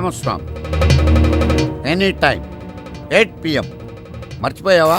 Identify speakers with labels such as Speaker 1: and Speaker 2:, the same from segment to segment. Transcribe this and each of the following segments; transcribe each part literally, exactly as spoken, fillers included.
Speaker 1: Ramaswamy, any time eight PM. మర్చిపోయావా?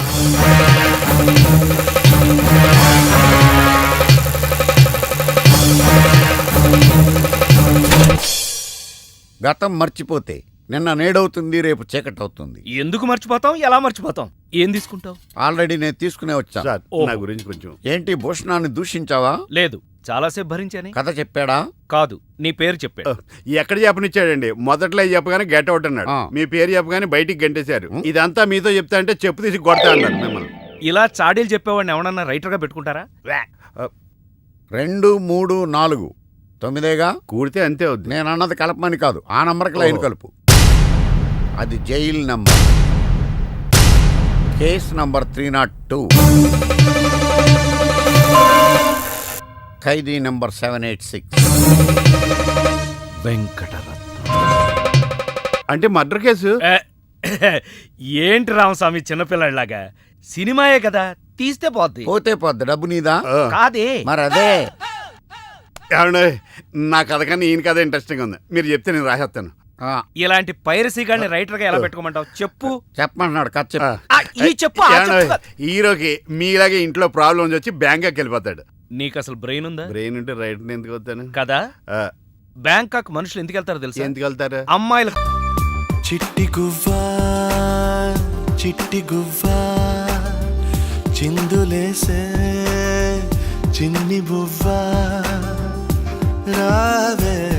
Speaker 1: గతం మర్చిపోతే నిన్న నేడవుతుంది, రేపు చీకటి అవుతుంది.
Speaker 2: ఎందుకు మర్చిపోతాం? ఎలా మర్చిపోతాం? ఏం తీసుకుంటావు?
Speaker 1: ఆల్రెడీ నేను తీసుకునే వచ్చా.
Speaker 3: నా గురించి కొంచెం
Speaker 1: ఏంటి భూషణాన్ని దూషించావా?
Speaker 2: లేదు, చాలాసేపు భరించాని.
Speaker 1: కథ చెప్పాడా?
Speaker 2: కాదు, నీ పేరు చెప్పాడు.
Speaker 3: ఎక్కడ చెప్పనిచ్చాడండి? మొదట్లో చెప్పగానే గెట్ అవుట్ అన్నాడు. మీ పేరు చెప్పగానే బయటికి గంటేశారు. ఇదంతా మీతో చెప్తా అంటే చెప్పు తీసి కొడతా అన్నారు మిమ్మల్ని.
Speaker 2: ఇలా చాడీలు చెప్పేవాడిని ఎవడన్నా రైటర్గా పెట్టుకుంటారా?
Speaker 1: రెండు మూడు నాలుగు తొమ్మిదేగా
Speaker 3: కూడితే అంతే అవుద్ది.
Speaker 1: నేను అన్నది కలపమని కాదు, ఆ నంబర్కి లైన్ కలుపు. అది jail number, case number three not two, ఖైదీ number seven eight six.
Speaker 2: Venkataratna
Speaker 3: అంటే మర్డర్ కేసు.
Speaker 2: ఏంటి రామస్వామి చిన్నపిల్లలాగా? సినిమాయే కదా, తీస్తే పోద్ది.
Speaker 1: పోతే పోద్ది, డబ్బు నీదా
Speaker 2: కాదే.
Speaker 1: మరి అదే.
Speaker 3: ఏమండి, నా కథ కానీ ఈయన కథ ఇంట్రెస్టింగ్ ఉంది. మీరు చెప్తే నేను రాసేస్తాను.
Speaker 2: ఇలాంటి పైరసీ గాని రైటర్ గా ఎలా పెట్టుకోమంటావు? చెప్పు.
Speaker 1: చెప్పమంటున్నాడు కథ చెప్పు.
Speaker 2: ఈ చెప్పు.
Speaker 3: హీరోకి మీలాగే ఇంట్లో ప్రాబ్లమ్స్ వచ్చి బ్యాంకాక్ వెళ్ళిపోతాడు.
Speaker 2: నీకు అసలు బ్రెయిన్ ఉందా?
Speaker 3: బ్రెయిన్ ఉంటే రైట్ ఎందుకు వస్తాను
Speaker 2: కదా. బ్యాంకాక్ మనుషులు ఎందుకు వెళ్తారో తెలుసా?
Speaker 3: ఎందుకు వెళ్తారు?
Speaker 2: అమ్మాయిలు.
Speaker 4: చిట్టి గువ్వా చిట్టి గువ్వా చిందులేసే చిన్ని బువ్వా రావే